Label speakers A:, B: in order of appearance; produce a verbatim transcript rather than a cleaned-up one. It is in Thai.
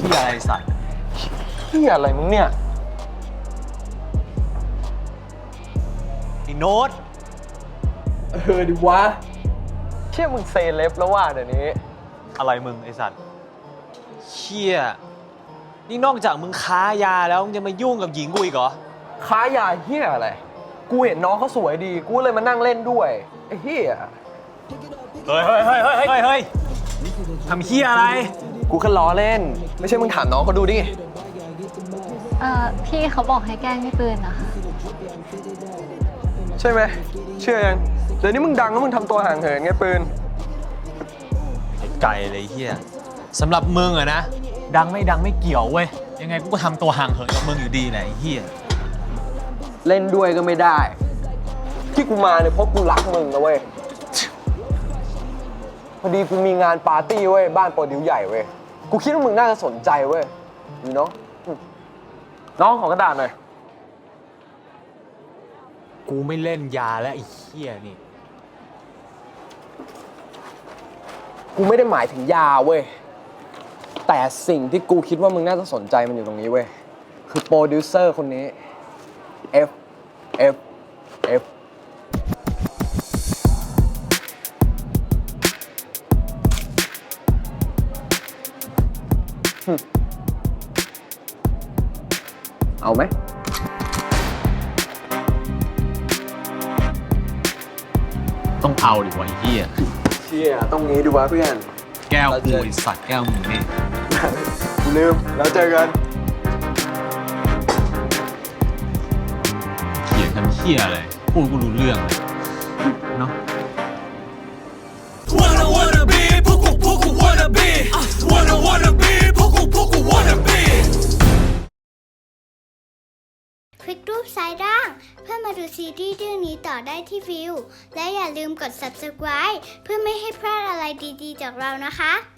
A: ที่อะไรสัตว์
B: ที่อะไรมึงเนี่ย
A: ไอ้โน้ต
B: เออดิวะเชี่ยมึงเซเลบแล้วว่าเดี๋ยวนี้
A: อะไรมึงไอสัตว์เชี่ยนี่นอกจากมึงค้ายาแล้วมึงจะมายุ่งกับหญิงกูอีกเหรอ
B: ค้ายาเฮียอะไรกูเห็นน้องเขาสวยดีกูเลยมานั่งเล่นด้วยไอ้เฮีย
A: เฮ้ยเฮ้ยเฮ้ยเฮ้ยเฮ้ยเฮ้ยทำเฮียอะไร
B: กูแค่ล้อเล่นไม่ใช่มึงถามน้องเขาดูดิ
C: เอ่อพี่เขาบอกให้แกล้งพี่ปืนนะคะ
B: ใช่ไหมเชื่อยังเดี๋ยวนี้มึงดังแล้วมึงทำตัวห่างเหินไงปืน
A: ไกลเลยเฮียสำหรับมึงอะนะดังไม่ดังไม่เกี่ยวเว้ยยังไงกูก็ทำตัวห่างเหินกับมึงอยู่ดีแหละไอ้เฮีย
B: เล่นด้วยก็ไม่ได้ที่กูมาเนี่ยเพราะกูรักมึงนะเว้ยพอดีกูมีงานปาร์ตี้เว้ยบ้านโปรดิวใหญ่เว้ยกูคิดว่ามึงน่าจะสนใจเว้ยอยู่เนาะน้องของกระดาษหน่อย
A: กูไม่เล่นยาแล้วไอ้เฮียนี่
B: กูไม่ได้หมายถึงยาเว้ยแต่สิ่งที่กูคิดว่ามึงน่าจะสนใจมันอยู่ตรงนี้เว้ยคือโปรดิวเซอร์คนนี้ F F F เอาไหม
A: ต้องเอาดิวะไอ้เฮีย
B: เชี่ยต้องงี้ดูวะเพื่อน
A: แก้วกูไอ้สัตว์แก้วมึงนี่
B: กูลืมแล้วเจอกัน
A: เขียนทำเฮียอะไรพูดกูรู้เรื่องเลยเนาะ
D: Wanna wanna be พวกกูพวกกู wanna be Wanna wanna be พวกกูพวกกู wanna be
E: คลิกรูปซ้ายล่างเพื่อมาดูซีรีส์เรื่องนี้ต่อได้ที่วิวและอย่าลืมกด ซับสไครบ์ เพื่อไม่ให้พลาดอะไรดีๆจากเรานะคะ